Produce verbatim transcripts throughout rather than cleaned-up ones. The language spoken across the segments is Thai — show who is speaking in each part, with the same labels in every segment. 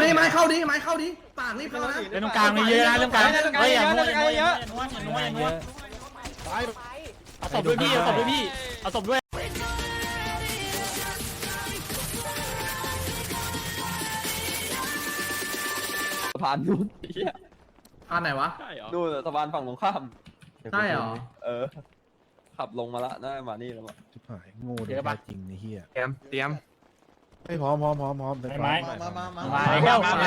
Speaker 1: ดิไม้เข้าดิไม้เข้าดิปากรีบเข้านะ
Speaker 2: เล่นตรงกลางเยอะนะเล่นตรงกลางเฮ้ยอย่านัวอย่านัวอย่านัวอย่านัวอย่านัวเอาศพด้วยพี่เอาศพด้วยพี่เอาศพด้วย
Speaker 3: สะพานนู้น
Speaker 1: อ่านไหนวะ
Speaker 3: ดูสะพานฝั่งตรงข้าม
Speaker 1: ใช่เหรอ
Speaker 3: เออขับลงมาละน่ามานี่แล้วมั้ง
Speaker 4: ชิบหายโง่เดี๋ยวจริงไอ้เหี้ย
Speaker 5: เตรียมเตรียม
Speaker 4: ไม่พร้อมพร้อมพร้อมพร้อมไปไม้
Speaker 2: มามามามาแล้วมา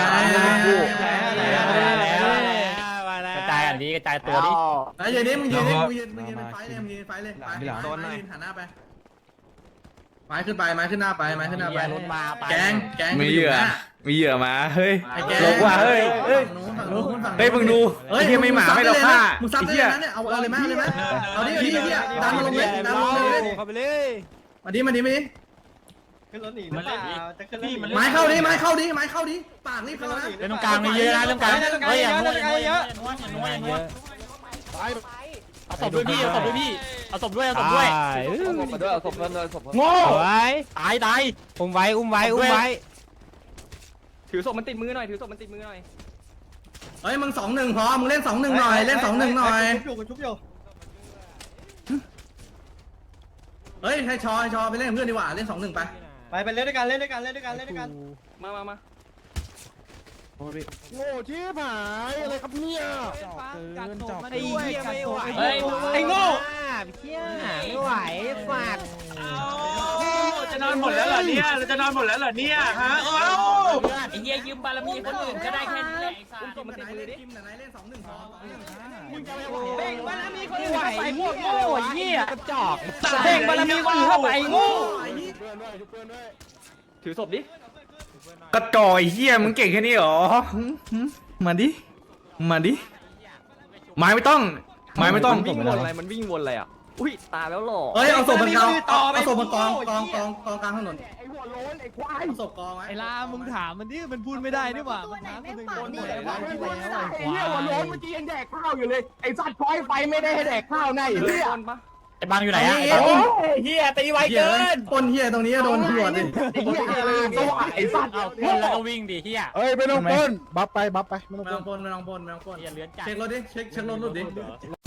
Speaker 2: แล้วกระจายอันนี้กระจายตัวดิ
Speaker 1: ไอ้ยืนนี่มึงยืนนี่มึงยืนมึงยืนเป็นไฟเลยมึงยืนไฟเลยไปไปยืนหันหน้าไปไม้ขึ้นไปไม้ขึ้นหน้าไปไม้ขึ้นหน้าไป
Speaker 2: รถมาไป
Speaker 1: แกงแกง
Speaker 5: มีเหยื่อมีเหยื่อมาเฮ้ย
Speaker 1: ไอ้แกง
Speaker 5: ลงว่ะเฮ้ยเฮ้ย เฮ้ยมึงดูไอ้เหี้ยไม่หมาไม่เราฆ่า
Speaker 1: มึงซับได้เลยนะเนี่ยเอาเอาเลยไหมเอาเลยไหมเอาดิเอาดิเอาดิดันมาลงเลยดันมาลงเลย
Speaker 2: เข้าไปเลย
Speaker 1: มาดิมาดิมาดิ
Speaker 6: ขึ้นรถหนีหรือเปล่าจะขึ้นรถหนี
Speaker 1: ไม้เข้าดิไม้เข้าดิไม้เข้าดิปากรีบเข้านะ
Speaker 2: เล่นตรงกลางเยอะนะเล่นตรงกลางเฮ้ยอย่านัวอย่านัวอย่านัวอย่านัวอย่านัวเอาศพด้วยพี่เอาศพด้วยพี่เอาศพด้วยเอาศพด้วย
Speaker 3: เอาศพมาด้วยเอาศพมาด้วยศพ
Speaker 2: โง่ไว้ตายตายอุ้มไว้อุ้มไว้อุ้มไว้
Speaker 6: ถือศพมันติดมือหน่อยถือศพมันติดมือหน่อย
Speaker 1: เฮ้ยมึงสองหนึ่งพอมึงเล่นสองหนึ่งหน่อยเล่นสองหนึ่งหน่อย
Speaker 6: ชุบอยู่ชุบอยู่
Speaker 1: เฮ้ยให้ชอให้ชอไปเล่นกับเพื่อนดีกว่าเล่นสองหนึ่งไป
Speaker 6: ไปไปเล่นด้วยกันเล่นด้วยกันเล่นด้วยกันเล่นด้วยกันมามามา
Speaker 4: โง่ชิบหายอะไรครับเนี่ย
Speaker 2: ไอ้เหี้ยไม่ไหว
Speaker 6: ไอ้โง่
Speaker 2: เหี้ยไม่ไหวฝาก
Speaker 7: จะนอนหมดแล้วเหรอเนี่ยเราจะนอนหมดแล้วเหรอเนี่ยฮะเอ้า
Speaker 2: ไอ้เหี้ยยืมบารมีคนอื่นก็ได้แค่นี้แหละไอ้สัส
Speaker 1: กิมไหนเล่นกิมไหนเล่นสองหนึ่งพอ
Speaker 6: เบ่งบารมีคนอื่น
Speaker 2: ไหว
Speaker 6: เข้าไปพวก
Speaker 2: โง่
Speaker 6: โง่
Speaker 2: เหี้ยกระจอก
Speaker 6: เบ่งบารมีคนอื่นเข้าไปโง่
Speaker 3: ถือศพดิ
Speaker 5: กระจอยเฮียมึงเก่งแค่นี้เหรอมาดิมาดิไม้ไม่ต้องไม้ไม่ต้อง
Speaker 3: มันวิ่งวนอะไรมันวิ่งวนอะไรอ่ะอุ้ยตายแล้วหรอ
Speaker 1: เฮ้ยเอาศพมันกองเอาศพมันกองกองกองกองกลางถนนไอ้หัวโล้นไอ้ควายเอาศพกองไว้
Speaker 2: ไอ้ลามึงถามมันดิมันพูดไม่ได้นี่หว่ามันถามคนอื่นโดนหมดเลยว่า
Speaker 4: ไอ้เหี้ยหัวโล้นเมื่อกี้ยังแดกข้าวอยู่เลยไอ้สัตว์พอยไฟไม่ได้ให้แดกข้าวใน
Speaker 3: เฮ้ย
Speaker 4: เหี้ย
Speaker 3: คนปะ
Speaker 2: ไอ้บางอยู่ไหนอ่ะเฮียตีไวเกิน
Speaker 1: ปนเฮียตรงนี้โดนหัวดิ
Speaker 4: ไอ้เหี้ยอะไรก็ว่าไอ้สัตว์
Speaker 2: เอาขึ้นแล้วก็วิ่งดิเฮีย
Speaker 4: เอ้ยไม่ต้องปล้นบัฟไปบัฟไปไม่ต้อง
Speaker 1: ไม่
Speaker 4: ปล้
Speaker 1: ต้อน งปนไม่ต้องปนไม่ต้องปน
Speaker 2: อย่าเลื้อนจัด
Speaker 1: เช็ครถดิเช็คเช็ครถรถดิ